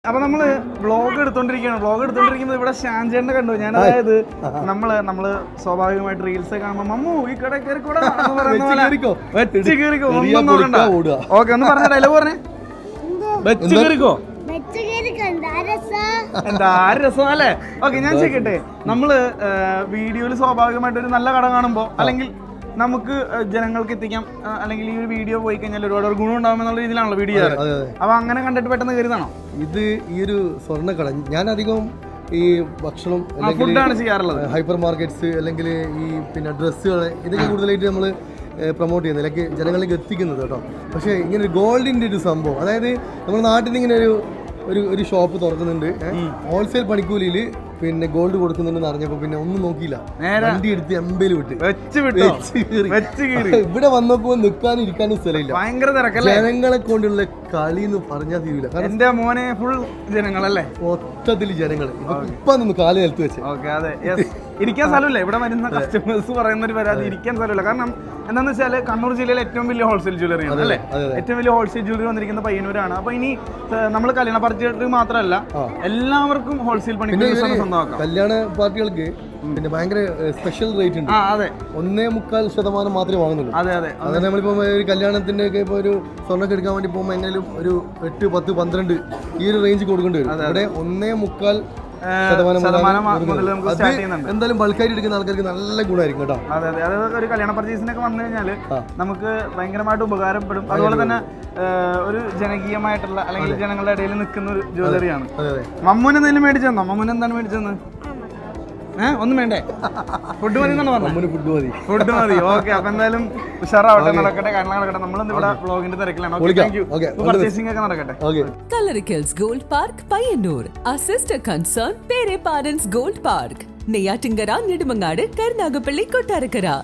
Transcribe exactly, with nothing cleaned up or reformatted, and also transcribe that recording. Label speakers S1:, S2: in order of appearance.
S1: അപ്പൊ നമ്മള് vlog എടുത്തോണ്ടിരിക്കുകയാണ് vlog എടുത്തോണ്ടിരിക്കുമ്പോൾ ഇവിടെ ഷാൻചേട്ടനെ കണ്ടു. ഞാൻ അതായത് നമ്മള് നമ്മള് സ്വാഭാവികമായിട്ട് റീൽസ് കാണുമ്പോ മമ്മു ഈ കട കയറിക്കൂടാ പറയുന്ന പോലെ വെച്ച് കയറിക്കോ ഒന്നും നോക്കണ്ട. ഓക്കെ, ഒന്ന് പറഞ്ഞ ഡയലോഗ് പറഞ്ഞേ. വെച്ച് കയറിക്കോ എന്താ രസം അല്ലേ? ഓക്കെ, ഞാൻ ചെയ്യട്ടെ. നമ്മള് വീഡിയോയിൽ സ്വാഭാവികമായിട്ട് ഒരു നല്ല കട കാണുമ്പോ അല്ലെങ്കിൽ നമുക്ക് ജനങ്ങൾക്ക് എത്തിക്കാം, അല്ലെങ്കിൽ ഈ ഒരു വീഡിയോ പോയി കഴിഞ്ഞാൽ ഒരുപാട് ഗുണം ഉണ്ടാവുമെന്നുള്ള രീതിയിലാണല്ലോ വീഡിയോ ചെയ്യാറ്. അപ്പൊ അങ്ങനെ കണ്ടിട്ട് പെട്ടെന്ന് കയറിയതാണോ
S2: ഇത്? ഈ ഒരു സ്വർണ്ണക്കട ഞാൻ അധികം ഈ ഭക്ഷണം
S1: ഫുഡാണ് ചെയ്യാറുള്ളത്.
S2: ഹൈപ്പർ മാർക്കറ്റ്സ് അല്ലെങ്കിൽ ഈ പിന്നെ ഡ്രസ്സുകൾ ഇതൊക്കെ കൂടുതലായിട്ട് നമ്മൾ പ്രൊമോട്ട് ചെയ്യുന്നത്, അല്ലെങ്കിൽ ജനങ്ങളിലേക്ക് എത്തിക്കുന്നത് കേട്ടോ. പക്ഷേ ഇങ്ങനെ ഒരു ഗോൾഡിൻ്റെ ഒരു സംഭവം, അതായത് നമ്മുടെ നാട്ടിൽ നിന്ന് ഇങ്ങനെ ഒരു ഒരു ഒരു ഷോപ്പ് തുറക്കുന്നുണ്ട്, ഹോൾസെയിൽ പണിക്കൂലിയിൽ പിന്നെ ഗോൾഡ് കൊടുക്കുന്നുണ്ടെന്ന് അറിഞ്ഞപ്പോ പിന്നെ ഒന്നും നോക്കിയില്ല, വണ്ടി എടുത്ത് എമ്പയിൽ വിട്ട് ഇവിടെ വന്നപ്പോ നിൽക്കാനും ഇരിക്കാനും സ്ഥലമില്ല.
S1: ഭയങ്കര തിരക്കല്ലേ?
S2: ജനങ്ങളെ കൊണ്ടുള്ള കളി എന്ന് പറഞ്ഞാൽ തീരില്ല.
S1: എന്റെ മോനെ ഫുൾ ജനങ്ങളല്ലേ,
S2: മൊത്തത്തിൽ ജനങ്ങൾ ഇപ്പൊ നിന്ന് കാല് നിലത്ത് വെച്ച്.
S1: ഓക്കെ, അതെ, ഇരിക്കാൻ സ്ഥലമില്ല. ഇവിടെ വരുന്ന കസ്റ്റമേഴ്സ് പറയുന്ന ഒരു പരാതി ഇരിക്കാൻ സ്ഥലമില്ല. കാരണം എന്താണെന്ന് വെച്ചാൽ കണ്ണൂർ ജില്ലയിലെ ഏറ്റവും വലിയ ഹോൾസെയിൽ ജ്വല്ലറി ആണ് അല്ലേ? ഏറ്റവും വലിയ ഹോൾസെയിൽ ജ്വല്ലറി വന്നിരിക്കുന്ന പയ്യന്നൂരാണ്. അപ്പൊ ഇനി നമ്മൾ കല്യാണ പാർട്ടികൾക്ക് മാത്രമല്ല എല്ലാവർക്കും ഹോൾസെയിൽ പണി സ്വന്തമാക്കാം.
S2: കല്യാണ പാർട്ടികൾക്ക് പിന്നെ ഭയങ്കര സ്പെഷ്യൽ റേറ്റ് ഉണ്ട്.
S1: അതെ,
S2: ഒന്നേ മുക്കാൽ ശതമാനം മാത്രമേ വാങ്ങുന്നുള്ളൂ.
S1: അതെ അതെ
S2: അതായത് നമ്മളിപ്പോ ഒരു കല്യാണത്തിന്റെ ഒക്കെ ഇപ്പൊ ഒരു സ്വർണ്ണൊക്കെ എടുക്കാൻ വേണ്ടി പോകുമ്പോൾ എങ്ങനെയും ഒരു എട്ട് പത്ത് പന്ത്രണ്ട് ഈ ഒരു റേഞ്ച് കൊടുക്കേണ്ടി വരും. ഇവിടെ ഒന്നേ മുക്കാൽ എന്തായാലും ബൾക്കായിട്ട് എടുക്കുന്ന ആൾക്കാർക്ക് നല്ല ഗുണമായിരിക്കും കേട്ടോ.
S1: അതെ അതെ അതായത് ഒരു കല്യാണ പർച്ചേസിനൊക്കെ വന്നു കഴിഞ്ഞാൽ നമുക്ക് ഭയങ്കരമായിട്ട് ഉപകാരപ്പെടും. അതുപോലെ തന്നെ ഒരു ജനകീയമായിട്ടുള്ള അല്ലെങ്കിൽ ജനങ്ങളുടെ ഇടയിൽ നിൽക്കുന്ന ഒരു ജ്വല്ലറിയാണ്. മമ്മൂന് എന്തെങ്കിലും മേടിച്ചെന്നോ? മമ്മൂന് എന്താണ് മേടിച്ചെന്ന്? ഏഹ് ഒന്നും വേണ്ടേ? ഫുഡ് മതി എന്നാണ് പറഞ്ഞത്.
S2: ഫുഡ് മതി
S1: ഫുഡ് മതി ഓക്കെ. അപ്പൊ എന്തായാലും ഉഷാറാവട്ടെ, നടക്കട്ടെ, കാര്യങ്ങൾ നടക്കട്ടെ. നമ്മളിന്ന് ഇവിടെ വ്ളോഗിന്റെ തിരക്കിലാണ്. പർച്ചേസിംഗ് ഒക്കെ നടക്കട്ടെ.
S3: Coloricals Gold Park, Payanur. Our sister concern, Pere Parents Gold Park. Neyyattinkara, Nedumangad, Karunagappally, Kottarakkara.